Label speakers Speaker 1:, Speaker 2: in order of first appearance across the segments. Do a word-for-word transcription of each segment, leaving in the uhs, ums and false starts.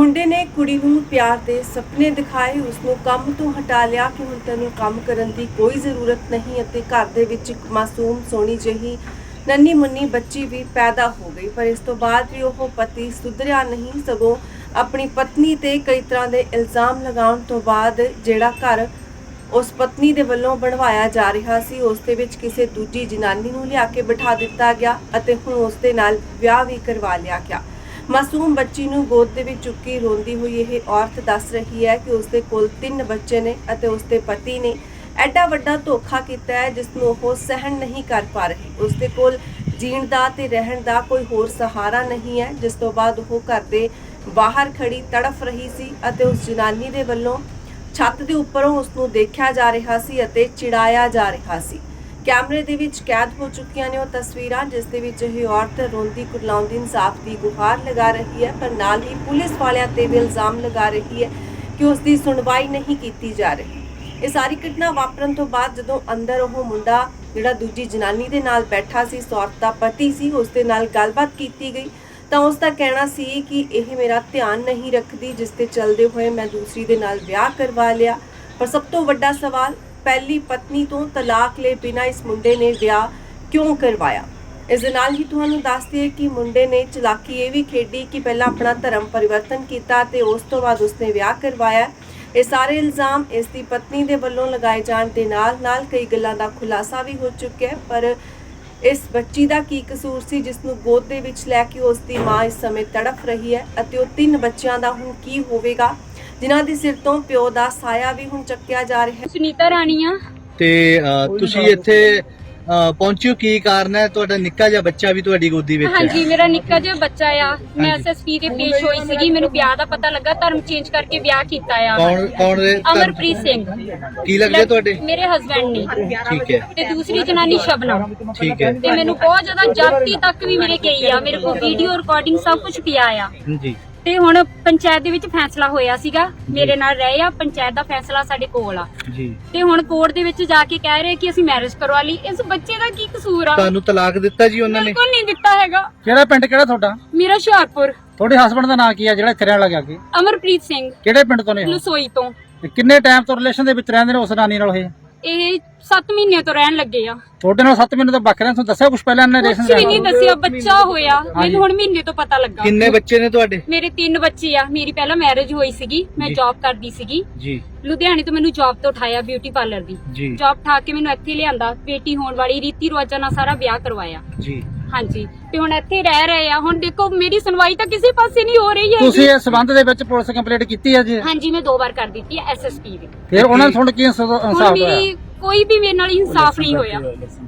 Speaker 1: ਮੁੰਡੇ ਨੇ ਕੁੜੀ ਨੂੰ ਪਿਆਰ ਦੇ ਸੁਪਨੇ ਦਿਖਾਏ, ਉਸ ਨੂੰ ਕੰਮ ਤੋਂ ਹਟਾ ਲਿਆ ਕਿ ਹੁਣ ਤੈਨੂੰ ਕੰਮ ਕਰਨ ਦੀ ਕੋਈ ਜ਼ਰੂਰਤ ਨਹੀਂ ਅਤੇ ਘਰ ਦੇ ਵਿੱਚ ਇੱਕ ਮਾਸੂਮ ਸੋਹਣੀ ਜਿਹੀ ਨੰਨੀ ਮੁੰਨੀ ਬੱਚੀ ਵੀ ਪੈਦਾ ਹੋ ਗਈ। ਪਰ ਇਸ ਤੋਂ ਬਾਅਦ ਵੀ ਉਹ ਪਤੀ ਸੁਧਰਿਆ ਨਹੀਂ, ਸਗੋਂ ਆਪਣੀ ਪਤਨੀ ਤੇ ਕਈ ਤਰ੍ਹਾਂ ਦੇ ਇਲਜ਼ਾਮ ਲਗਾਉਣ ਤੋਂ ਬਾਅਦ ਜਿਹੜਾ ਘਰ ਉਸ ਪਤਨੀ ਦੇ ਵੱਲੋਂ ਬਣਵਾਇਆ ਜਾ ਰਿਹਾ ਸੀ ਉਸ ਦੇ ਵਿੱਚ ਕਿਸੇ ਦੂਜੀ ਜਨਾਨੀ ਨੂੰ ਲਿਆ ਕੇ ਬਿਠਾ ਦਿੱਤਾ ਗਿਆ ਅਤੇ ਹੁਣ ਉਸ ਦੇ ਨਾਲ ਵਿਆਹ ਵੀ ਕਰਵਾ ਲਿਆ ਗਿਆ। ਮਾਸੂਮ ਬੱਚੀ ਨੂੰ ਗੋਦ ਦੇ ਵਿੱਚ ਚੁੱਕੀ ਰੋਂਦੀ ਹੋਈ ਇਹ ਔਰਤ ਦੱਸ ਰਹੀ ਹੈ ਕਿ ਉਸ ਦੇ ਕੋਲ ਤਿੰਨ ਬੱਚੇ ਨੇ ਅਤੇ ਉਸ ਦੇ ਪਤੀ ਨੇ ਐਡਾ ਵੱਡਾ ਧੋਖਾ ਕੀਤਾ ਹੈ ਜਿਸ ਨੂੰ ਉਹ ਸਹਿਣ ਨਹੀਂ ਕਰ ਪਾ ਰਹੀ। ਉਸ ਦੇ ਕੋਲ ਜੀਣ ਦਾ ਤੇ ਰਹਿਣ ਦਾ ਕੋਈ ਹੋਰ ਸਹਾਰਾ ਨਹੀਂ ਹੈ, ਜਿਸ ਤੋਂ ਬਾਅਦ ਉਹ ਘਰ ਦੇ ਬਾਹਰ ਖੜੀ ਤੜਫ ਰਹੀ ਸੀ ਅਤੇ ਉਸ ਜਨਾਨੀ ਦੇ ਵੱਲੋਂ ਛੱਤ ਦੇ ਉੱਪਰੋਂ ਉਸ ਨੂੰ ਦੇਖਿਆ ਜਾ ਰਿਹਾ ਸੀ ਅਤੇ ਚਿੜਾਇਆ ਜਾ ਰਿਹਾ ਸੀ। ਕੈਮਰੇ ਦੇ ਵਿੱਚ ਕੈਦ ਹੋ ਚੁੱਕੀਆਂ ਨੇ ਉਹ ਤਸਵੀਰਾਂ ਜਿਸ ਦੇ ਵਿੱਚ ਇਹ ਔਰਤ ਰੋਂਦੀ ਕੁਰਲਾਉਂਦੀ ਇਨਸਾਫ ਦੀ ਗੁਹਾਰ ਲਗਾ ਰਹੀ ਹੈ, ਪਰ ਨਾਲ ਹੀ ਪੁਲਿਸ ਵਾਲਿਆਂ ਤੇ ਵੀ ਇਲਜ਼ਾਮ ਲਗਾ ਰਹੀ ਹੈ ਕਿ ਉਸ ਦੀ ਸੁਣਵਾਈ ਨਹੀਂ ਕੀਤੀ ਜਾ ਰਹੀ। ਇਹ ਸਾਰੀ ਘਟਨਾ ਵਾਪਰਨ ਤੋਂ ਬਾਅਦ ਜਦੋਂ ਅੰਦਰ ਉਹ ਮੁੰਡਾ ਜਿਹੜਾ ਦੂਜੀ ਜਨਾਨੀ ਦੇ ਨਾਲ ਬੈਠਾ ਸੀ, ਇਸ ਔਰਤ ਦਾ ਪਤੀ ਸੀ, ਉਸ ਦੇ ਨਾਲ ਗੱਲਬਾਤ ਕੀਤੀ ਗਈ ਤਾਂ ਉਸ ਦਾ ਕਹਿਣਾ ਸੀ ਕਿ ਇਹ ਮੇਰਾ ਧਿਆਨ ਨਹੀਂ ਰੱਖਦੀ, ਜਿਸ ਤੇ ਚੱਲਦੇ ਹੋਏ ਮੈਂ ਦੂਸਰੀ ਦੇ ਨਾਲ ਵਿਆਹ ਕਰਵਾ ਲਿਆ। ਪਰ ਸਭ ਤੋਂ ਵੱਡਾ ਸਵਾਲ, ਪਹਿਲੀ ਪਤਨੀ ਤੋਂ ਤਲਾਕ ਲਏ ਬਿਨਾਂ ਇਸ ਮੁੰਡੇ ਨੇ ਵਿਆਹ ਕਿਉਂ ਕਰਵਾਇਆ। ਇਸ ਦੇ ਨਾਲ ਹੀ ਤੁਹਾਨੂੰ ਦੱਸ ਦਈਏ ਕਿ ਮੁੰਡੇ ਨੇ ਚਲਾਕੀ ਇਹ ਵੀ ਖੇਡੀ ਕਿ ਪਹਿਲਾਂ ਆਪਣਾ ਧਰਮ ਪਰਿਵਰਤਨ ਕੀਤਾ ਤੇ ਉਸ ਤੋਂ ਬਾਅਦ ਉਸਨੇ ਵਿਆਹ ਕਰਵਾਇਆ। ਇਹ ਸਾਰੇ ਇਲਜ਼ਾਮ ਇਸ ਦੀ ਪਤਨੀ ਦੇ ਵੱਲੋਂ ਲਗਾਏ ਜਾਣ ਦੇ ਨਾਲ ਨਾਲ ਕਈ ਗੱਲਾਂ ਦਾ ਖੁਲਾਸਾ ਵੀ ਹੋ ਚੁੱਕਿਆ ਹੈ। ਪਰ ਇਸ ਬੱਚੀ ਦਾ ਕੀ ਕਸੂਰ ਸੀ ਜਿਸ ਨੂੰ ਗੋਦ ਦੇ ਵਿੱਚ ਲੈ ਕੇ ਉਸ ਦੀ ਮਾਂ ਇਸ ਸਮੇਂ ਤੜਫ ਰਹੀ ਹੈ ਅਤੇ ਉਹ ਤਿੰਨ ਬੱਚਿਆਂ ਦਾ ਹੁਣ ਕੀ ਹੋਵੇਗਾ, ਜਿਨ੍ਹਾਂ ਦੇ ਸਿਰ ਤੋਂ ਪਿਓ ਦਾ ਸਾਇਆ ਵੀ ਹੁਣ ਚੱਕਿਆ ਜਾ ਰਿਹਾ ਹੈ।
Speaker 2: ਸੁਨੀਤਾ ਰਾਣੀ ਆ
Speaker 3: ਤੇ ਅ, ਤੁਸੀਂ ਇੱਥੇ ਅ, ਪਹੁੰਚਿਓ, ਕੀ ਕਾਰਨ ਹੈ? ਤੁਹਾਡਾ ਨਿੱਕਾ ਜਿਹਾ ਬੱਚਾ ਵੀ ਤੁਹਾਡੀ ਗੋਦੀ ਵਿੱਚ ਹੈ।
Speaker 2: ਹਾਂਜੀ, ਮੇਰਾ ਨਿੱਕਾ ਜਿਹਾ ਬੱਚਾ ਆ। ਮੈਂ ਐਸਐਸਪੀ ਦੇ ਪੇਸ਼ ਹੋਈ ਸੀਗੀ, ਮੈਨੂੰ ਵਿਆਹ ਦਾ ਪਤਾ ਲੱਗਾ, ਧਰਮ ਚੇਂਜ ਕਰਕੇ ਵਿਆਹ ਕੀਤਾ ਆ।
Speaker 3: ਕੌਣ ਕੌਣ ਦੇ ਧਰਮ-
Speaker 2: ਅਮਰਪ੍ਰੀਤ ਸਿੰਘ
Speaker 3: ਕੀ ਲੱਗਦੇ ਤੁਹਾਡੇ?
Speaker 2: ਮੇਰੇ ਹਸਬੈਂਡ ਨੇ।
Speaker 3: ਠੀਕ ਹੈ,
Speaker 2: ਤੇ ਦੂਸਰੀ ਜਨਾਨੀ ਸ਼ਬਨਮ।
Speaker 3: ਠੀਕ ਹੈ
Speaker 2: ਤੇ ਮੈਨੂੰ ਬਹੁਤ ਜ਼ਿਆਦਾ ਜਾਤੀ ਤੱਕ ਵੀ ਮੇਰੇ ਗਈ ਆ, ਮੇਰੇ ਕੋਲ ਵੀਡੀਓ ਰਿਕਾਰਡਿੰਗ ਸਭ ਕੁਝ ਪਿਆ ਆ।
Speaker 3: ਜੀ।
Speaker 2: ਤੇ ਹੁਣ ਪੰਚਾਇਤ ਦੇ ਵਿੱਚ ਫੈਸਲਾ ਹੋਇਆ ਸੀਗਾ, ਮੇਰੇ ਨਾਲ ਰਹੇ ਆ, ਪੰਚਾਇਤ ਦਾ ਫੈਸਲਾ ਸਾਡੇ ਕੋਲ ਆ
Speaker 3: ਜੀ।
Speaker 2: ਤੇ ਹੁਣ ਕੋਰਟ ਦੇ ਵਿੱਚ ਜਾ ਕੇ ਕਹਿ ਰਹੇ ਕਿ ਅਸੀਂ ਮੈਰਿਜ ਕਰਵਾ ਲਈ। ਇਸ ਬੱਚੇ ਦਾ ਕੀ ਕਸੂਰ ਆ?
Speaker 3: ਤੁਹਾਨੂੰ ਤਲਾਕ ਦਿੱਤਾ ਜੀ ਉਹਨਾਂ ਨੇ?
Speaker 2: ਬਿਲਕੁਲ ਨਹੀਂ ਦਿੱਤਾ ਹੈਗਾ।
Speaker 4: ਕਿਹੜਾ ਪਿੰਡ ਕਿਹੜਾ ਤੁਹਾਡਾ?
Speaker 2: ਮੇਰਾ ਹੁਸ਼ਿਆਰਪੁਰ।
Speaker 4: ਤੁਹਾਡੇ ਹਸਬੰਡ ਦਾ ਨਾਂ ਕੀ ਆ ਜਿਹੜਾ ਇੱਥੇ ਰਹਿਣ ਲੱਗਾ ਕੇ?
Speaker 2: ਅਮਰਪ੍ਰੀਤ ਸਿੰਘ।
Speaker 4: ਕਿਹੜੇ ਪਿੰਡ ਤੋਂ ਨੇ ਉਹ?
Speaker 2: ਲਸੋਈ ਤੋਂ।
Speaker 4: ਤੇ ਕਿੰਨੇ ਟਾਈਮ ਤੋਂ ਰਿਲੇਸ਼ਨ ਦੇ ਵਿੱਚ ਰਹਿੰਦੇ ਨੇ ਉਸ ਨਾਨੀ ਨਾਲ? ਇਹ
Speaker 2: ਇਹ ਸੱਤ ਮਹੀਨੇ ਤੋਂ ਰਹਿਣ ਲੱਗੇ ਆ।
Speaker 4: ਤੁਹਾਡੇ ਨਾਲ ਸੱਤ ਮਹੀਨੇ ਤੋਂ ਵੱਖ ਰਹਿਣ, ਤੁਹਾਨੂੰ ਦੱਸਿਆ ਕੁਝ ਪਹਿਲਾਂ ਇਹਨਾਂ ਰਿਲੇਸ਼ਨ
Speaker 2: ਕੁਝ ਵੀ ਨਹੀਂ ਦੱਸਿਆ, ਬੱਚਾ ਹੋਇਆ ਮੈਨੂੰ ਹੁਣ ਮਹੀਨੇ ਤੋਂ ਪਤਾ ਲੱਗਾ।
Speaker 3: ਕਿੰਨੇ ਬੱਚੇ ਨੇ ਤੁਹਾਡੇ?
Speaker 2: ਮੇਰੇ ਤਿੰਨ ਬੱਚੇ ਆ। ਮੇਰੀ ਪਹਿਲਾਂ ਮੈਰਿਜ ਹੋਈ ਸੀਗੀ, ਮੈਂ
Speaker 3: ਜੀ।
Speaker 2: ਜੌਬ ਕਰਦੀ ਸੀਗੀ
Speaker 3: ਜੀ।
Speaker 2: ਲੁਧਿਆਣੇ ਤੋਂ। ਮੈਨੂੰ ਜੌਬ ਤੋਂ ਉਠਾਇਆ, ਬਿਊਟੀ ਪਾਰਲਰ ਦੀ
Speaker 3: ਜੀ।
Speaker 2: ਜੌਬ ਠਾ ਕੇ ਮੈਨੂੰ ਇੱਥੇ ਲਿਆਂਦਾ, ਬੇਟੀ ਹੋਣ ਵਾਲੀ ਰੀਤੀ ਰਿਵਾਜਾਂ ਨਾਲ ਸਾਰਾ ਵਿਆਹ ਕਰਵਾਇਆ।
Speaker 3: ਜੀ।
Speaker 2: ਹਾਂਜੀ, ਤੇ ਹੁਣ ਇੱਥੇ ਰਹਿ ਰਹੇ ਆ। ਹੁਣ ਦੇਖੋ ਮੇਰੀ ਸੁਣਵਾਈ ਤਾਂ ਕਿਸੇ ਪਾਸੇ ਨਹੀਂ ਹੋ ਰਹੀ ਹੈ।
Speaker 4: ਤੁਸੀਂ ਇਸ ਸਬੰਧ ਦੇ ਵਿੱਚ ਪੁਲਿਸ ਕੰਪਲੇਂਟ ਕੀਤੀ ਹੈ ਜੀ?
Speaker 2: ਹਾਂਜੀ, ਮੈਂ ਦੋ ਵਾਰ ਕਰ ਦਿੱਤੀ ਹੈ ਐਸਐਸਪੀ ਦੀ।
Speaker 4: ਫਿਰ ਉਹਨਾਂ ਨੇ ਤੁਹਾਨੂੰ ਕੀ ਇਨਸਾਫ
Speaker 2: ਹੁਣ
Speaker 4: ਹੋਇਆ?
Speaker 2: ਮੇਰੀ ਕੋਈ ਵੀ ਮੇਰੇ ਨਾਲ ਇਨਸਾਫ ਨਹੀਂ ਹੋਇਆ।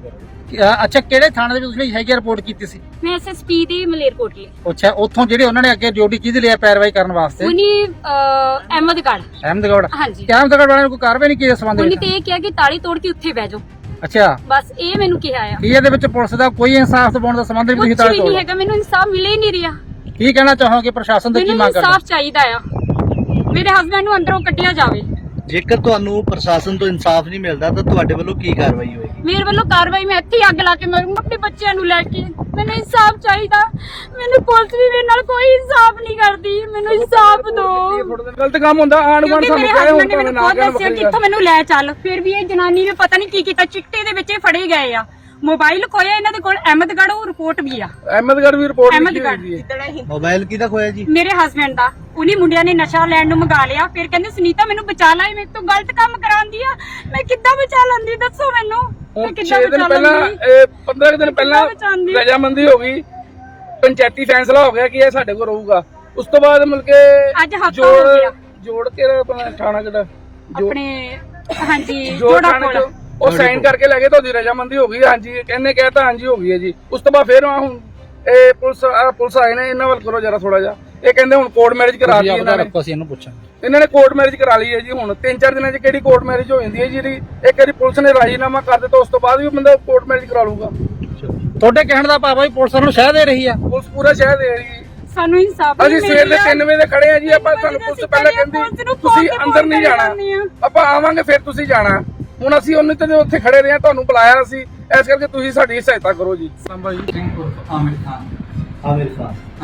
Speaker 4: ਅ, ਅੱਛਾ, ਕਿਹੜੇ ਥਾਣੇ ਦੇ ਵਿੱਚ ਤੁਸੀਂ ਹੈਗੀ ਰਿਪੋਰਟ ਕੀਤੀ ਸੀ?
Speaker 2: ਮੈਂ ਐਸਐਸਪੀ ਦੇ ਮਲੇਰਕੋਟਲੇ।
Speaker 4: ਅੱਛਾ, ਉੱਥੋਂ ਜਿਹੜੇ ਉਹਨਾਂ ਨੇ ਅੱਗੇ ਡਿਊਟੀ ਕਿਹਦੇ ਲਿਆ ਪੈਰਵਾਈ ਕਰਨ ਵਾਸਤੇ?
Speaker 2: ਉਹਨੇ ਅਹਿਮਦਗੜ੍ਹ।
Speaker 4: ਅਹਿਮਦਗੜ੍ਹ।
Speaker 2: ਹਾਂਜੀ।
Speaker 4: ਕਿ ਅਹਿਮਦਗੜ੍ਹ ਵਾਲਿਆਂ ਨੇ ਕੋਈ ਕਾਰਵਾਈ ਨਹੀਂ ਕੀਤੀ ਇਸ ਸੰਬੰਧ
Speaker 2: ਉਹਨੇ
Speaker 4: ਵਿੱਚ?
Speaker 2: ਤੇ ਇਹ ਕਿਹਾ ਕਿ ਤਾਲੀ ਤੋੜ ਕੇ ਉੱਥੇ ਬਹਿ ਜਾਓ,
Speaker 4: ਅੱਛਾ,
Speaker 2: ਬਸ ਇਹ ਮੈਨੂੰ ਕਿਹਾ ਆ।
Speaker 4: ਕੀ ਇਹਦੇ ਵਿੱਚ ਪੁਲਿਸ ਦਾ ਕੋਈ ਇਨਸਾਫ ਦਿਵਾਉਣ ਦਾ ਸੰਬੰਧ ਨਹੀਂ?
Speaker 2: ਕੁਝ
Speaker 4: ਤੁਸੀਂ ਤਾਲੇ
Speaker 2: ਵੀ ਨਹੀਂ
Speaker 4: ਤੋੜ
Speaker 2: ਹੈਗਾ, ਮੈਨੂੰ ਇਨਸਾਫ ਮਿਲ ਹੀ ਨਹੀਂ ਰਿਹਾ।
Speaker 4: ਕੀ ਕਹਿਣਾ ਚਾਹੋਗੇ ਪ੍ਰਸ਼ਾਸਨ ਤੋਂ? ਕੀ
Speaker 2: ਮੈਨੂੰ
Speaker 4: ਮੰਗ ਕਰਦੇ?
Speaker 2: ਇਨਸਾਫ ਚਾਹੀਦਾ ਆ, ਮੇਰੇ ਹਸਬੰਡ ਨੂੰ ਅੰਦਰੋਂ ਕੱਢਿਆ ਜਾਵੇ।
Speaker 3: ਜੇਕਰ ਤੁਹਾਨੂੰ ਪ੍ਰਸ਼ਾਸਨ ਤੋਂ ਇਨਸਾਫ ਨਹੀਂ ਮਿਲਦਾ ਤਾਂ ਤੁਹਾਡੇ ਵੱਲੋਂ ਕੀ ਕਾਰਵਾਈ ਹੋਏਗੀ?
Speaker 2: ਮੇਰੇ ਵੱਲੋਂ ਕਾਰਵਾਈ, ਮੈਂ ਇੱਥੇ ਹੀ ਅੱਗ ਲਾ ਕੇ ਮਰੂੰਗਾ ਆਪਣੇ ਬੱਚਿਆਂ ਨੂੰ ਲੈ ਕੇ। ਮੈਨੂੰ ਇਨਸਾਫ ਚਾਹੀਦਾ, ਮੈਨੂੰ ਪੁਲਿਸ ਵੀ ਮੇਰੇ ਨਾਲ ਕੋਈ ਇਨਸਾਫ ਨਹੀਂ ਕਰਦੀ, ਮੈਨੂੰ ਇਨਸਾਫ ਦਿਓ।
Speaker 4: ਗਲਤ ਕੰਮ ਹੁੰਦਾ, ਆਣ
Speaker 2: ਕਿਉਂਕਿ ਮੇਰੇ ਹਸਬੰਡ ਨੇ ਮੈਨੂੰ ਬਹੁਤ ਦੱਸਿਆ ਕਿੱਥੋਂ ਮੈਨੂੰ ਲੈ ਚੱਲ, ਫਿਰ ਵੀ ਇਹ ਜਨਾਨੀ ਨੇ ਪਤਾ ਨਹੀਂ ਕੀ ਕੀਤਾ, ਚਿੱਟੇ ਦੇ ਵਿੱਚ ਇਹ ਫੜੇ ਗਏ ਆ। ਮੋਬਾਈਲ ਖੋਇਆ ਇਹਨਾਂ ਦੇ ਕੋਲ, ਅਹਿਮਦਗੜ੍ਹ ਉਹ ਰਿਪੋਰਟ ਵੀ ਆ।
Speaker 4: ਅਹਿਮਦਗੜ੍ਹ ਵੀ ਰਿਪੋਰਟ
Speaker 2: ਅਹਿਮਦਗੜ੍ਹ
Speaker 3: ਮੋਬਾਈਲ ਕਿਹਦਾ ਖੋਇਆ ਜੀ?
Speaker 2: ਮੇਰੇ ਹਸਬੰਡ ਦਾ। ਉਹਨੀ ਮੁੰਡਿਆਂ ਨੇ ਨਸ਼ਾ ਲੈਣ ਨੂੰ ਮੰਗਾ ਲਿਆ, ਫਿਰ ਕਹਿੰਦੇ ਸੁਨੀਤਾ ਮੈਨੂੰ ਬਚਾ ਲੈ, ਮੇਰੇ ਤੋਂ ਗਲਤ ਕੰਮ ਕਰਾਉਂਦੀ ਆ। ਮੈਂ ਕਿੱਦਾਂ ਬਚਾ ਲੈਂਦੀ, ਦੱਸੋ ਮੈਨੂੰ, ਮੈਂ ਕਿੱਦਾਂ ਬਚਾ ਲੈਂਦੀ?
Speaker 4: ਪੰਦਰਾਂ ਦਿਨ ਪਹਿਲਾਂ ਰਜਾਮੰਦੀ ਹੋ ਗਈ, ਪੰਚਾਇਤੀ ਫੈਸਲਾ ਹੋ ਗਿਆ ਕਿ ਇਹ ਸਾਡੇ ਕੋਲ ਰਹੂਗਾ। ਉਸ ਤੋਂ ਬਾਅਦ ਮਿਲ ਕੇ
Speaker 2: ਅੱਜ ਹਫਤਾ ਹੋ ਗਿਆ
Speaker 4: ਜੋੜ ਕੇ ਆਪਣਾ ਥਾਣਾ ਕਿਹੜਾ
Speaker 2: ਆਪਣੇ, ਹਾਂਜੀ,
Speaker 4: ਜੋੜ
Speaker 2: ਜੋੜਾ
Speaker 4: ਥਾਣੇ
Speaker 2: ਕੋਲ।
Speaker 4: ਉਹ ਸਾਈਨ ਕਰਕੇ ਲੈ ਗਏ, ਤੁਹਾਡੀ ਰਜਾਮੰਦੀ ਹੋ ਗਈ। ਹਾਂਜੀ, ਕਹਿੰਦੇ ਕਹਿਤਾ ਹਾਂਜੀ ਹੋ ਗਈ ਹੈ ਜੀ। ਉਸ ਤੋਂ ਬਾਅਦ ਫਿਰ ਹੁਣ ਇਹ ਪੁਲਿਸ ਆਹ ਪੁਲਿਸ ਆਏ ਨੇ, ਇਹਨਾਂ ਵੱਲ ਕਰੋ ਜਰਾ ਥੋੜਾ ਜਿਹਾ। ਇਹ ਕਹਿੰਦੇ ਹੁਣ ਕੋਰਟ ਮੈਰਿਜ ਕਰਾ ਲਈ ਇਹਨਾਂ ਨੇ। ਇਹਨੂੰ ਪੁੱਛਾਂ,
Speaker 5: ਇਹਨਾਂ ਨੇ ਕੋਰਟ ਮੈਰਿਜ ਕਰਾ ਲਈ ਹੈ ਜੀ। ਹੁਣ ਤਿੰਨ ਚਾਰ ਦਿਨਾਂ 'ਚ ਕਿਹੜੀ ਕੋਰਟ ਮੈਰਿਜ ਹੋ ਜਾਂਦੀ ਹੈ ਜਿਹੜੀ ਇੱਕ ਵਾਰੀ ਪੁਲਿਸ ਨੇ ਰਾਜੀਨਾਮਾ ਕਰ ਦਿੱਤਾ ਉਸ ਤੋਂ ਬਾਅਦ ਵੀ ਬੰਦਾ ਕੋਰਟ ਮੈਰਿਜ ਕਰਾ ਲੂਗਾ।
Speaker 4: ਤੁਹਾਡੇ ਕਹਿਣ ਦਾ ਭਾਵ ਹੈ ਪੁਲਿਸ ਨੂੰ ਸ਼ਹਿ ਦੇ ਰਹੀ ਆ?
Speaker 5: ਪੁਲਿਸ ਪੂਰਾ ਸ਼ਹਿਰ ਦੇ ਰਹੀ ਹੈ।
Speaker 2: ਸਾਨੂੰ ਇਨਸਾਫ
Speaker 5: ਅਸੀਂ ਸਵੇਰ ਦੇ ਤਿੰਨ ਵਜੇ ਦੇ ਖੜੇ ਆ ਜੀ। ਆਪਾਂ ਸਾਨੂੰ ਪੁਲਿਸ ਪਹਿਲਾਂ ਕਹਿੰਦੀ ਤੁਸੀਂ ਅੰਦਰ ਨਹੀਂ ਜਾਣਾ, ਆਪਾਂ ਆਵਾਂਗੇ ਫਿਰ ਤੁਸੀਂ ਜਾਣਾ। ਹੁਣ ਅਸੀਂ ਉਹਨੇ ਤੇ ਉੱਥੇ ਖੜੇ ਰਹੇ ਆ, ਤੁਹਾਨੂੰ ਬੁਲਾਇਆ ਸੀ, ਇਸ ਕਰਕੇ ਤੁਸੀਂ ਸਾਡੀ ਸਹਾਇਤਾ ਕਰੋ ਜੀ।
Speaker 4: ਸੰਭਾਜੀ ਸਿੰਘ ਉਰਫ ਆਮਿਰ ਖਾਨ।
Speaker 3: ਆਮਿਰ ਖਾਨ।
Speaker 4: ਹਾਂਜੀ।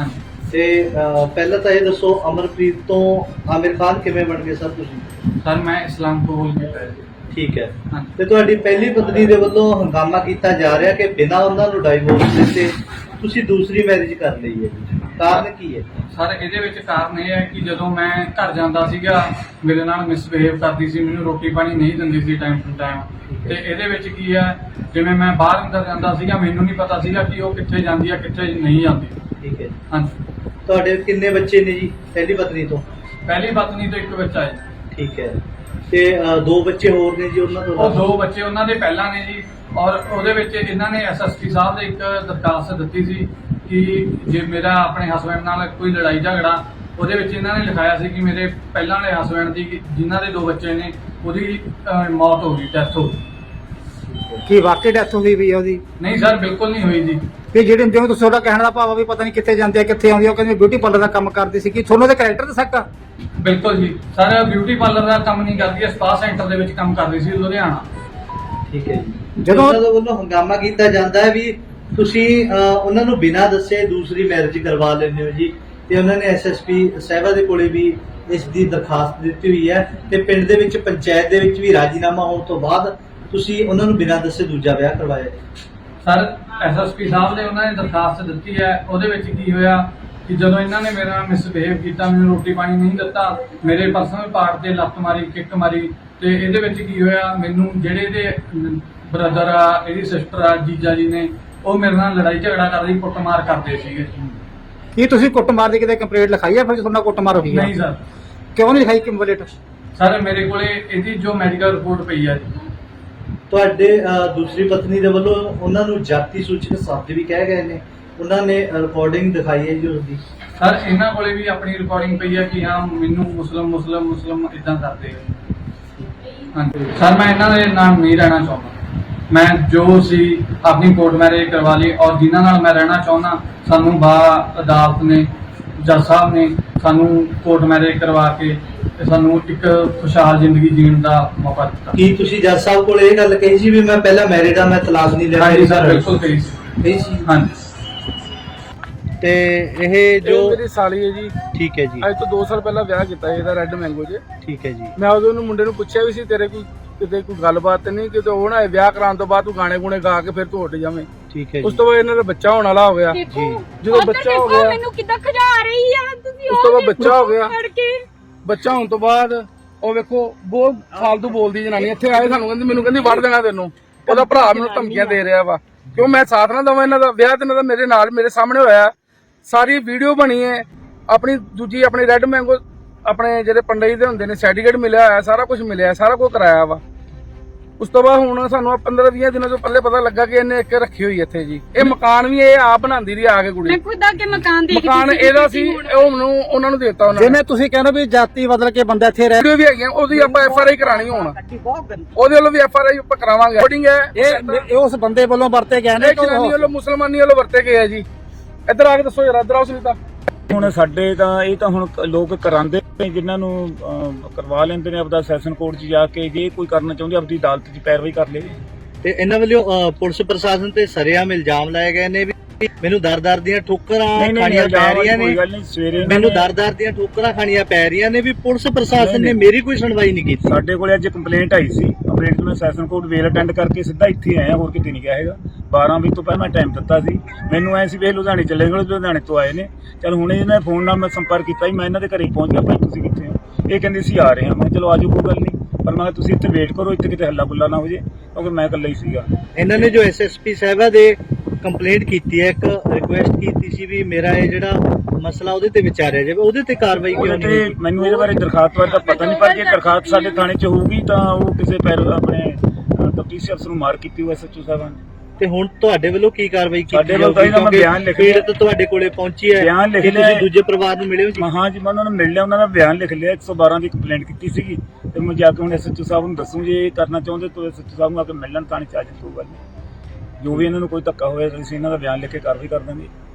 Speaker 3: ਤੇ ਅਹ, ਪਹਿਲਾਂ ਤਾਂ ਇਹ ਦੱਸੋ ਅਮਰਪ੍ਰੀਤ ਤੋਂ ਆਮਿਰ ਖਾਨ ਕਿਵੇਂ ਬਣ ਗਏ ਸਰ ਤੁਸੀਂ?
Speaker 6: ਸਰ ਮੈਂ ਇਸਲਾਮ ਕਬੂਲ ਕੀਤਾ ਹੈ।
Speaker 3: ਠੀਕ ਹੈ।
Speaker 6: ਹਾਂਜੀ।
Speaker 3: ਤੇ ਤੁਹਾਡੀ ਪਹਿਲੀ ਪਤਨੀ ਦੇ ਵੱਲੋਂ ਹੰਗਾਮਾ ਕੀਤਾ ਜਾ ਰਿਹਾ ਕਿ ਬਿਨਾਂ ਉਹਨਾਂ ਨੂੰ ਡਾਈਵੋਰਸ ਦਿੱਤੇ ਤੁਸੀਂ ਦੂਸਰੀ ਮੈਰਿਜ ਕਰ ਲਈ ਹੈ ਜੀ, ਕਾਰਨ ਕੀ ਹੈ?
Speaker 6: ਸਰ ਇਹਦੇ ਵਿੱਚ ਕਾਰਨ ਇਹ ਹੈ ਕਿ ਜਦੋਂ ਮੈਂ ਘਰ ਜਾਂਦਾ ਸੀਗਾ ਮੇਰੇ ਨਾਲ ਮਿਸਬਿਹੇਵ ਕਰਦੀ ਸੀ, ਮੈਨੂੰ ਰੋਟੀ ਪਾਣੀ ਨਹੀਂ ਦਿੰਦੀ ਸੀ ਟਾਈਮ ਟੂ ਟਾਈਮ। ਤੇ ਇਹਦੇ ਵਿੱਚ ਕੀ ਹੈ, ਜਿਵੇਂ ਮੈਂ ਬਾਹਰ ਅੰਦਰ ਜਾਂਦਾ ਸੀਗਾ ਮੈਨੂੰ ਨਹੀਂ ਪਤਾ ਸੀਗਾ ਕਿ ਉਹ ਕਿੱਥੇ ਜਾਂਦੀ ਹੈ ਕਿੱਥੇ ਨਹੀਂ ਜਾਂਦੀ।
Speaker 3: ਠੀਕ ਹੈ।
Speaker 6: ਹਾਂਜੀ।
Speaker 3: ਤੁਹਾਡੇ ਕਿੰਨੇ ਬੱਚੇ ਨੇ ਜੀ ਪਹਿਲੀ ਪਤਨੀ ਤੋਂ?
Speaker 6: ਪਹਿਲੀ ਪਤਨੀ ਤੋਂ ਇੱਕ ਬੱਚਾ ਹੈ।
Speaker 3: ਠੀਕ ਹੈ। ਤੇ ਅਹ, ਦੋ ਬੱਚੇ ਹੋਰ ਨੇ ਜੀ ਉਹਨਾਂ ਤੋਂ?
Speaker 6: ਉਹ ਦੋ ਬੱਚੇ ਉਹਨਾਂ ਦੇ ਪਹਿਲਾਂ ਨੇ ਜੀ, ਔਰ ਉਹਦੇ ਵਿੱਚ ਇਹਨਾਂ ਨੇ ਐਸ ਐਸ ਪੀ ਸਾਹਿਬ ਦੇ ਇੱਕ ਦਰਖਾਸਤ ਦਿੱਤੀ ਸੀ ਕਿ ਜੇ ਮੇਰਾ ਆਪਣੇ ਹਸਬੈਂਡ ਨਾਲ ਕੋਈ ਲੜਾਈ ਝਗੜਾ, ਉਹਦੇ ਵਿੱਚ ਇਹਨਾਂ ਨੇ ਲਿਖਾਇਆ ਸੀ ਕਿ ਮੇਰੇ ਪਹਿਲਾਂ ਵਾਲੇ ਹਸਬੈਂਡ ਦੀ ਜਿਨ੍ਹਾਂ ਦੇ ਦੋ ਬੱਚੇ ਨੇ ਉਹਦੀ ਅਹ, ਮੌਤ ਹੋ ਗਈ, ਡੈਥ ਹੋ ਗਈ।
Speaker 7: ਕੀ ਵਾਕਈ ਡੈਥ ਹੋਈ ਵੀ ਆ ਉਹਦੀ?
Speaker 6: ਨਹੀਂ ਸਰ ਬਿਲਕੁਲ ਨਹੀਂ ਹੋਈ ਜੀ।
Speaker 7: ਤੇ ਜਿਹੜੇ ਜਿਵੇਂ ਤੁਸੀਂ ਤੁਹਾਡਾ ਕਹਿਣ ਦਾ ਭਾਵ ਆ ਵੀ ਪਤਾ ਨਹੀਂ ਕਿੱਥੇ ਜਾਂਦੇ ਆ ਕਿੱਥੇ ਆਉਂਦੀ ਆ, ਉਹ ਕਹਿੰਦੇ ਬਿਊਟੀ ਪਾਰਲਰ ਦਾ ਕੰਮ ਕਰਦੀ ਸੀ, ਕਿ ਤੁਹਾਨੂੰ ਉਹਦੇ ਕੈਰੈਕਟਰ ਦਾ ਸ਼ੱਕ ਆ?
Speaker 6: ਬਿਲਕੁਲ ਜੀ ਸਰ, ਬਿਊਟੀ ਪਾਰਲਰ ਦਾ ਕੰਮ ਨਹੀਂ ਕਰਦੀ ਹੈ, ਸਪਾ ਸੈਂਟਰ ਦੇ ਵਿੱਚ ਕੰਮ ਕਰਦੀ ਸੀ ਲੁਧਿਆਣਾ।
Speaker 3: ਠੀਕ ਹੈ ਜੀ।
Speaker 7: ਜਦੋਂ
Speaker 3: ਉਹਨਾਂ ਦੇ ਵੱਲੋਂ ਹੰਗਾਮਾ ਕੀਤਾ ਜਾਂਦਾ ਹੈ ਵੀ ਤੁਸੀਂ ਅਹ, ਉਹਨਾਂ ਨੂੰ ਬਿਨਾਂ ਦੱਸੇ ਦੂਸਰੀ ਮੈਰਿਜ ਕਰਵਾ ਲੈਂਦੇ ਹੋ ਜੀ, ਤੇ ਉਹਨਾਂ ਨੇ ਐਸ ਐਸ ਪੀ ਸਾਹਿਬਾ ਦੇ ਕੋਲੇ ਵੀ ਇਸ ਦੀ ਦਰਖਾਸਤ ਦਿੱਤੀ ਹੋਈ ਹੈ, ਤੇ ਪਿੰਡ ਦੇ ਵਿੱਚ ਪੰਚਾਇਤ ਦੇ ਵਿੱਚ ਵੀ ਰਾਜੀਨਾਮਾ ਹੋਣ ਤੋਂ ਬਾਅਦ ਤੁਸੀਂ ਉਹਨਾਂ ਨੂੰ ਬਿਨਾਂ ਦੱਸੇ ਦੂਜਾ ਵਿਆਹ ਕਰਵਾਇਆ।
Speaker 6: ਸਰ ਐਸ ਐਸ ਪੀ ਸਾਹਿਬ ਨੇ ਉਹਨਾਂ ਨੇ ਦਰਖਾਸਤ ਦਿੱਤੀ ਹੈ, ਉਹਦੇ ਵਿੱਚ ਕੀ ਹੋਇਆ ਕਿ ਜਦੋਂ ਇਹਨਾਂ ਨੇ ਮੇਰੇ ਨਾਲ ਮਿਸਬਿਹੇਵ ਕੀਤਾ, ਮੈਨੂੰ ਰੋਟੀ ਪਾਣੀ ਨਹੀਂ ਦਿੱਤਾ, ਮੇਰੇ ਪਰਸਨਲ ਪਾਰਟ ਤੇ ਲੱਤ ਮਾਰੀ, ਕਿੱਕ ਮਾਰੀ, ਤੇ ਇਹਦੇ ਵਿੱਚ ਕੀ ਹੋਇਆ, ਮੈਨੂੰ ਜਿਹੜੇ ਇਹਦੇ ਬ੍ਰਦਰ ਆ, ਇਹਦੀ ਸਿਸਟਰ ਆ, ਜੀਜਾ ਜੀ ਨੇ, ਉਹ ਮੇਰੇ ਨਾਲ ਲੜਾਈ ਝਗੜਾ ਕਰਦੇ, ਕੁੱਟਮਾਰ ਕਰਦੇ ਸੀਗੇ।
Speaker 7: ਕੀ ਤੁਸੀਂ ਕੁੱਟਮਾਰ ਦੀ ਕਿਤੇ ਕੰਪਲੇਂਟ ਲਿਖਾਈ ਆ ਫਿਰ ਤੁਹਾਡਾ ਕੁੱਟਮਾਰ ਹੋਈ ਆ?
Speaker 6: ਨਹੀਂ ਸਰ।
Speaker 7: ਕਿਉਂ ਨਹੀਂ ਲਿਖਾਈ ਕੰਪਲੇਂਟ?
Speaker 6: ਸਰ ਮੇਰੇ ਕੋਲੇ ਇਹਦੀ ਜੋ ਮੈਡੀਕਲ ਰਿਪੋਰਟ ਪਈ ਆ ਜੀ।
Speaker 3: ਤੁਹਾਡੇ ਅਹ, ਦੂਸਰੀ ਪਤਨੀ ਦੇ ਵੱਲੋਂ ਉਹਨਾਂ ਨੂੰ ਜਾਤੀ ਸੂਚਕ ਸ਼ਬਦ ਵੀ ਕਹਿ ਗਏ ਨੇ, ਉਹਨਾਂ ਨੇ ਰਿਕਾਰਡਿੰਗ ਦਿਖਾਈ ਹੈ ਜੀ ਉਸਦੀ।
Speaker 6: ਸਰ ਇਹਨਾਂ ਕੋਲੇ ਵੀ ਆਪਣੀ ਰਿਕਾਰਡਿੰਗ ਪਈ ਹੈ ਕਿ ਹਾਂ ਮੈਨੂੰ ਮੁਸਲਮ ਮੁਸਲਮ ਮੁਸਲਮ ਇਦਾਂ ਕਰਦੇ ਆ। ਹਾਂਜੀ ਸਰ, ਮੈਂ ਇਹਨਾਂ ਦੇ ਨਾਲ ਨਹੀਂ ਰਹਿਣਾ ਚਾਹੁੰਦਾ। ਮੈਂ ਜੋ ਸੀ ਆਪਣੀ ਕੋਰਟ ਮੈਰਿਜ ਕਰਵਾ ਲਈ, ਔਰ ਜਿਨ੍ਹਾਂ ਨਾਲ ਮੈਂ ਰਹਿਣਾ ਚਾਹੁੰਦਾ ਸਾਨੂੰ ਬਾ ਅਦਾਲਤ ਨੇ, ਜੱਜ ਸਾਹਿਬ ਨੇ ਸਾਨੂੰ ਕੋਰਟ ਮੈਰਿਜ ਕਰਵਾ ਕੇ ਤੇ ਸਾਨੂੰ ਇੱਕ ਖੁਸ਼ਹਾਲ ਜ਼ਿੰਦਗੀ ਜੀਣ ਦਾ ਮੌਕਾ ਦਿੱਤਾ।
Speaker 3: ਕੀ ਤੁਸੀਂ ਜੱਜ ਸਾਹਿਬ ਕੋਲ ਇਹ ਗੱਲ ਕਹੀ ਸੀ ਵੀ ਮੈਂ ਪਹਿਲਾਂ ਮੈਰਿਡ ਆ, ਮੈਂ ਤਲਾਕ ਨਹੀਂ ਲੈਣਾ?
Speaker 6: ਹਾਂਜੀ ਸਰ ਬਿਲਕੁਲ ਕਹੀ ਸੀ।
Speaker 3: ਕਹੀ ਸੀ।
Speaker 6: ਹਾਂਜੀ।
Speaker 3: ਤੇ ਇਹ
Speaker 5: ਇਹ
Speaker 3: ਜੋ
Speaker 5: ਮੇਰੀ ਸਾਲੀ ਹੈ ਜੀ,
Speaker 3: ਠੀਕ ਹੈ ਜੀ।
Speaker 5: ਅੱਜ ਤੋਂ ਦੋ ਸਾਲ ਪਹਿਲਾਂ ਵਿਆਹ ਕੀਤਾ ਇਹਦਾ ਰੈੱਡ ਮੈਂਗੋ 'ਚ।
Speaker 3: ਠੀਕ ਹੈ ਜੀ।
Speaker 5: ਮੈਂ ਉਦੋਂ ਨੂੰ ਮੁੰਡੇ ਨੂੰ ਪੁੱਛਿਆ ਵੀ ਸੀ ਤੇਰੇ ਕੋਈ ਕਿਤੇ ਕੋਈ ਗੱਲਬਾਤ ਤੇ ਨਹੀਂ, ਕਿਤੇ ਉਹ ਨਾ ਇਹ ਵਿਆਹ ਕਰਾਉਣ ਤੋਂ ਬਾਅਦ ਤੂੰ ਗਾਣੇ ਗੁਣੇ ਗਾ ਕੇ ਫਿਰ ਤੂੰ ਉੱਡ ਜਾਵੇਂ।
Speaker 3: ਠੀਕ ਹੈ
Speaker 5: ਉਸ
Speaker 3: ਜੀ।
Speaker 5: ਤੋਂ ਬਾਅਦ ਇਹਨਾਂ ਦਾ ਬੱਚਾ ਹੋਣ ਵਾਲਾ ਹੋ ਗਿਆ।
Speaker 2: ਦੇਖੋ
Speaker 5: ਜਦੋਂ ਬੱਚਾ ਹੋ ਗਿਆ,
Speaker 2: ਮੈਨੂੰ ਕਿੱਦਾਂ ਖਜਾ ਰਹੀ ਆ ਤੁਸੀਂ।
Speaker 5: ਉਸ ਤੋਂ ਬਾਅਦ ਬੱਚਾ ਹੋ ਗਿਆ।
Speaker 2: ਫੜ ਕੇ
Speaker 5: ਬੱਚਾ ਹੋਣ ਤੋਂ ਬਾਅਦ ਉਹ ਵੇਖੋ ਬਹੁਤ ਫਾਲਤੂ ਬੋਲਦੀ ਜਨਾਨੀ ਇੱਥੇ ਆਏ ਸਾਨੂੰ ਕਹਿੰਦੀ ਮੈਨੂੰ ਕਹਿੰਦੀ ਵੜ ਦੇਣਾ ਤੈਨੂੰ। ਉਹਦਾ ਭਰਾ ਮੈਨੂੰ ਧਮਕੀਆਂ ਦੇ ਰਿਹਾ ਵਾ ਕਿਉਂ ਮੈਂ ਸਾਥ ਨਾ ਦਵਾਂ ਇਹਨਾਂ ਦਾ। ਵਿਆਹ ਤੇ ਇਹਨਾਂ ਦਾ ਮੇਰੇ ਨਾਲ ਮੇਰੇ ਸਾਹਮਣੇ ਹੋਇਆ, ਸਾਰੀ ਵੀਡੀਓ ਬਣੀ ਹੈ। ਆਪਣੀ ਦੂਜੀ ਆਪਣੀ ਰੈੱਡ ਮੈਂਗੋ ਆਪਣੇ ਜਿਹੜੇ ਪੰਡਈ ਦੇ ਹੁੰਦੇ ਨੇ ਸਰਟੀਫਿਕੇਟ ਮਿਲਿਆ ਹੋਇਆ, ਸਾਰਾ ਕੁਝ ਮਿਲਿਆ, ਸਾਰਾ ਕੁਝ ਕਰਾਇਆ ਵਾ। ਉਸ ਤੋਂ ਬਾਅਦ ਹੁਣ ਸਾਨੂੰ ਪੰਦਰਾਂ ਵੀਹ ਦਿਨਾਂ ਤੋਂ ਪਹਿਲੇ ਪਤਾ ਲੱਗਾ ਕਿ ਇਹਨੇ ਇੱਕ ਰੱਖੀ ਹੋਈ ਇੱਥੇ ਜੀ। ਇਹ ਮਕਾਨ ਵੀ ਇਹ ਆਪ ਬਣਾਉਂਦੀ ਰਹੀ ਆ ਕੇ ਕੁੜੀ।
Speaker 2: ਮੈਂ ਖੁਦ ਆ ਕੇ ਮਕਾਨ ਦੇਖਦੀ
Speaker 5: ਮਕਾਨ ਇਹਦਾ ਸੀ, ਉਹ ਮੈਨੂੰ ਉਹਨਾਂ ਨੂੰ ਦੇਤਾ ਉਹਨਾਂ ਨੇ।
Speaker 7: ਜਿਵੇਂ ਤੁਸੀਂ ਕਹਿੰਦੇ ਵੀ ਜਾਤੀ ਬਦਲ ਕੇ ਬੰਦਾ ਇੱਥੇ ਰਹਿ,
Speaker 5: ਵੀਡੀਓ ਵੀ ਹੈਗੀਆਂ, ਉਹਦੀ ਆਪਾਂ ਐਫ ਆਰ ਆਈ ਕਰਾਣੀ ਹੁਣ, ਉਹਦੇ ਵੱਲੋਂ ਵੀ ਐਫ ਆਰ ਆਈ ਆਪਾਂ ਕਰਾਵਾਂਗੇ। ਰਿਕਾਰਡਿੰਗ ਹੈ
Speaker 7: ਇਹ ਇਹ ਉਸ ਬੰਦੇ ਵੱਲੋਂ ਵਰਤੇ ਗਏ ਨੇ
Speaker 5: ਇਹ ਜਨਾਨੀ ਵੱਲੋਂ ਮੁਸਲਮਾਨੀ ਵੱਲੋਂ ਵਰਤੇ ਗਏ ਆ ਜੀ। ਇੱਧਰ ਆ ਕੇ ਦੱਸੋ ਯਾਰ, ਇੱਧਰ ਆਓ ਸੁਨੀਤਾ।
Speaker 8: ਹੁਣ ਸਾਡੇ ਤਾਂ ਇਹ ਤਾਂ ਹੁਣ ਲੋਕ ਕਰਾਉਂਦੇ ਨੇ, ਜਿਨ੍ਹਾਂ ਨੂੰ ਅਹ, ਕਰਵਾ ਲੈਂਦੇ ਨੇ ਆਪਦਾ ਸੈਸ਼ਨ ਕੋਰਟ 'ਚ ਜਾ ਕੇ, ਜੇ ਕੋਈ ਕਰਨਾ ਚਾਹੁੰਦੇ ਆਪਦੀ ਅਦਾਲਤ 'ਚ ਪੈਰਵਾਈ ਕਰ ਲਵੇ।
Speaker 3: ਤੇ ਇਹਨਾਂ ਵੱਲੋਂ ਅਹ, ਪੁਲਿਸ ਪ੍ਰਸ਼ਾਸਨ ਤੇ ਸਰੇਆਮ ਇਲਜ਼ਾਮ ਲਾਏ ਗਏ ਨੇ ਵੀ ਮੈਨੂੰ ਦਰ-ਦਰ ਦੀਆਂ ਠੋਕਰਾਂ ਖਾਣੀਆਂ ਪੈ ਰਹੀਆਂ ਨੇ,
Speaker 8: ਗੱਲ ਨਹੀਂ ਸਵੇਰੇ
Speaker 3: ਮੈਨੂੰ ਦਰ-ਦਰ ਦੀਆਂ ਠੋਕਰਾਂ ਖਾਣੀਆਂ ਪੈ ਰਹੀਆਂ ਨੇ ਵੀ ਪੁਲਿਸ ਪ੍ਰਸ਼ਾਸਨ ਨੇ ਮੇਰੀ ਕੋਈ ਸੁਣਵਾਈ ਨਹੀਂ ਕੀਤੀ।
Speaker 8: ਸਾਡੇ ਕੋਲੇ ਅੱਜ ਕੰਪਲੇਂਟ ਆਈ ਸੀ, ਕੰਪਲੇਂਟ ਮੈਂ ਸੈਸ਼ਨ ਕੋਰਟ ਵੇਲ ਅਟੈਂਡ ਕਰਕੇ ਸਿੱਧਾ ਇੱਥੇ ਆਇਆ, ਹੋਰ ਕਿਤੇ ਨਹੀਂ ਗਿਆ ਹੈਗਾ। ਬਾਰਾਂ ਵਜੇ ਤੋਂ ਪਹਿਲਾਂ ਮੈਂ ਟਾਈਮ ਦਿੱਤਾ ਸੀ, ਮੈਨੂੰ ਐ ਸੀ ਵੀ ਲੁਧਿਆਣੇ ਚੱਲੇ ਗਏ, ਲੁਧਿਆਣੇ ਤੋਂ ਆਏ ਨੇ। ਚਲ ਹੁਣ ਇਹਨਾਂ ਫੋਨ ਨਾਲ ਮੈਂ ਸੰਪਰਕ ਕੀਤਾ ਸੀ, ਮੈਂ ਇਹਨਾਂ ਦੇ ਘਰੇ ਪਹੁੰਚ ਗਿਆ। ਭਾਈ ਤੁਸੀਂ ਕਿੱਥੇ ਹੋ? ਇਹ ਕਹਿੰਦੇ ਸੀ ਆ ਰਹੇ ਹਾਂ। ਮੈਂ ਚਲੋ ਆਜੋ, ਕੋਈ ਗੱਲ ਨਹੀਂ, ਪਰ ਮੈਂ ਤੁਸੀਂ ਇੱਥੇ ਵੇਟ ਕਰੋ, ਇੱਥੇ ਕਿਤੇ ਹੱਲਾ ਗੁੱਲਾ ਨਾ ਹੋ ਜੇ, ਕਿਉਂਕਿ ਮੈਂ ਇਕੱਲਾ ਹੀ ਸੀਗਾ।
Speaker 3: ਇਹਨਾਂ ਨੇ ਜੋ ਐਸ ਐਸ ਪੀ ਸਾਹਿਬਾ ਦੇ ਕੰਪਲੇਂਟ ਕੀਤੀ ਹੈ, ਇੱਕ ਰਿਕੁਐਸਟ ਕੀਤੀ ਸੀ ਵੀ ਮੇਰਾ ਇਹ ਜਿਹੜਾ ਮਸਲਾ ਉਹਦੇ ਤੇ ਵਿਚਾਰਿਆ ਜਾਵੇ, ਉਹਦੇ ਤੇ ਕਾਰਵਾਈ ਕਿਉਂ
Speaker 8: ਉਹਦੇ
Speaker 3: ਨਹੀਂ
Speaker 8: ਤੇ
Speaker 3: ਹੋਈ?
Speaker 8: ਮੈਨੂੰ ਇਹਦੇ ਬਾਰੇ ਦਰਖਾਸਤ ਬਾਰੇ ਤਾਂ ਪਤਾ ਨਹੀਂ, ਪਰ ਜੇ ਦਰਖਾਸਤ ਸਾਡੇ ਥਾਣੇ 'ਚ ਹੋਊਗੀ ਤਾਂ ਉਹ ਕਿਸੇ ਪੈਰ ਆਪਣੇ ਤਫਤੀਸ਼ੀ ਅਫਸਰ ਨੂੰ ਮਾਰ ਕੀਤੀ ਹੋਈ ਐਸ ਐਚ ਓ ਸਾਹਿਬਾਨ ਨੇ।
Speaker 3: ਤੇ ਹੁਣ ਤੁਹਾਡੇ ਵੱਲੋਂ ਕੀ ਕਾਰਵਾਈ ਕੀਤੀ
Speaker 8: ਸਾਡੇ ਵੱਲੋਂ ਤਾਂ ਇਹਨਾਂ ਮੈਂ ਬਿਆਨ ਲਿਖ ਲਿਆ।
Speaker 3: ਪੀੜਤ ਤੁਹਾਡੇ ਕੋਲੇ ਪਹੁੰਚੀ ਹੈ,
Speaker 8: ਬਿਆਨ ਲਿਖ
Speaker 3: ਕੀ
Speaker 8: ਲਿਆ।
Speaker 3: ਤੁਸੀਂ ਦੂਜੇ ਪਰਿਵਾਰ ਨੂੰ ਮਿਲੇ ਹੋ ਜੀ?
Speaker 8: ਹਾਂ ਜੀ, ਮੈਂ ਉਹਨਾਂ ਨੂੰ ਮਿਲ ਲਿਆ, ਉਹਨਾਂ ਦਾ ਬਿਆਨ ਲਿਖ ਲਿਆ। ਇੱਕ ਸੌ ਬਾਰਾਂ ਦੀ ਕੰਪਲੇਂਟ ਕੀਤੀ ਸੀਗੀ, ਤੇ ਮੈਂ ਜਾ ਕੇ ਹੁਣ ਐਸ ਐਚ ਓ ਸਾਹਿਬ ਨੂੰ ਦੱਸੂ, ਜੇ ਇਹ ਕਰਨਾ ਚਾਹੁੰਦੇ ਤਾਂ ਐਸ ਐਚ ਓ ਸਾਹਿਬ ਨੂੰ ਆ ਕੇ ਮਿਲਣ, ਤਾਂ ਨਹੀਂ ਚਾਹੀਦਾ ਕੋਈ ਗੱਲ ਨਹੀਂ। ਜੋ ਵੀ ਇਹਨਾਂ ਨੂੰ ਕੋਈ ਧੱਕਾ ਹੋਇਆ, ਅਸੀਂ ਇਹਨਾਂ ਦਾ ਬਿਆਨ ਲਿਖ ਕੇ ਕਾਰਵਾਈ ਕਰ ਦਾਂਗੇ।